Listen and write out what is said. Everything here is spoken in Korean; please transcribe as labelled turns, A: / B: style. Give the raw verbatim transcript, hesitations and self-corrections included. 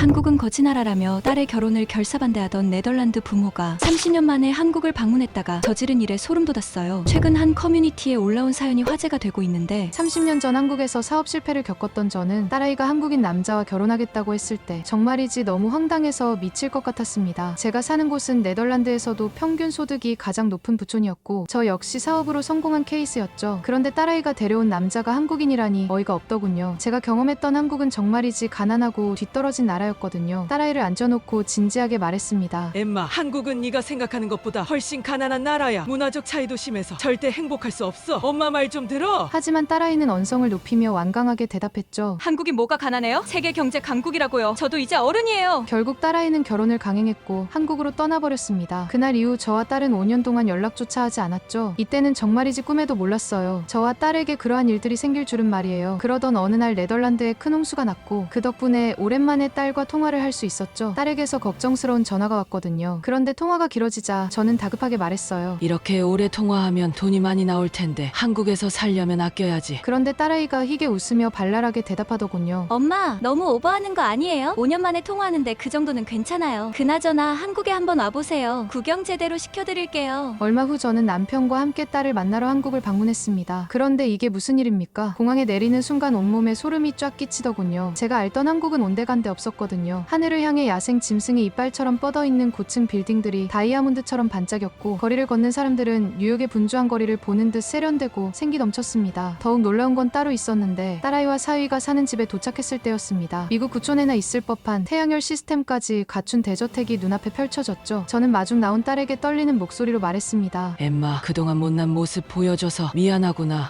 A: 한국은 거지 나라라며 딸의 결혼을 결사반대하던 네덜란드 부모가 삼십 년 만에 한국을 방문했다가 저지른 일에 소름 돋았어요. 최근 한 커뮤니티에 올라온 사연이 화제가 되고 있는데
B: 삼십 년 전 한국에서 사업 실패를 겪었던 저는 딸아이가 한국인 남자와 결혼하겠다고 했을 때 정말이지 너무 황당해서 미칠 것 같았습니다. 제가 사는 곳은 네덜란드에서도 평균 소득이 가장 높은 부촌이었고 저 역시 사업으로 성공한 케이스였죠. 그런데 딸아이가 데려온 남자가 한국인이라니 어이가 없더군요. 제가 경험했던 한국은 정말이지 가난하고 뒤떨어진 나라였거든요. 딸아이를 앉혀놓고 진지하게 말했습니다.
C: 엠마, 한국은 네가 생각하는 것보다 훨씬 가난한 나라야. 문화적 차이도 심해서 절대 행복할 수 없어. 엄마 말 좀 들어.
B: 하지만 딸아이는 언성을 높이며 완강하게 대답했죠.
A: 한국이 뭐가 가난해요? 세계 경제 강국이라고요. 저도 이제 어른이에요.
B: 결국 딸아이는 결혼을 강행했고 한국으로 떠나버렸습니다. 그날 이후 저와 딸은 오 년 동안 연락조차 하지 않았죠. 이때는 정말이지 꿈에도 몰랐어요. 저와 딸에게 그러한 일들이 생길 줄은 말이에요. 그러던 어느 날 네덜란드에 큰 홍수가 났고 그 덕분에 오랜만에 딸과 통화를 할 수 있었죠. 딸에게서 걱정스러운 전화가 왔거든요. 그런데 통화가 길어지자 저는 다급하게 말했어요.
C: 이렇게 오래 통화하면 돈이 많이 나올 텐데 한국에서 살려면 아껴야지.
B: 그런데 딸아이가 희게 웃으며 발랄하게 대답하더군요.
A: 엄마, 너무 오버하는 거 아니에요? 오 년 만에 통화하는데 그 정도는 괜찮아요. 그나저나 한국에 한번 와보세요. 구경 제대로 시켜드릴게요.
B: 얼마 후 저는 남편과 함께 딸을 만나러 한국을 방문했습니다. 그런데 이게 무슨 일입니까? 공항에 내리는 순간 온몸에 소름이 쫙 끼치더군요. 제가 알던 한국은 온데간데 없었거든요. 하늘을 향해 야생 짐승의 이빨처럼 뻗어있는 고층 빌딩들이 다이아몬드처럼 반짝였고 거리를 걷는 사람들은 뉴욕의 분주한 거리를 보는 듯 세련되고 생기 넘쳤습니다. 더욱 놀라운 건 따로 있었는데 딸아이와 사위가 사는 집에 도착했을 때였습니다. 미국 구촌에나 있을 법한 태양열 시스템까지 갖춘 대저택이 눈앞에 펼쳐졌죠. 저는 마중 나온 딸에게 떨리는 목소리로 말했습니다.
C: 엠마, 그동안 못난 모습 보여줘서 미안하구나.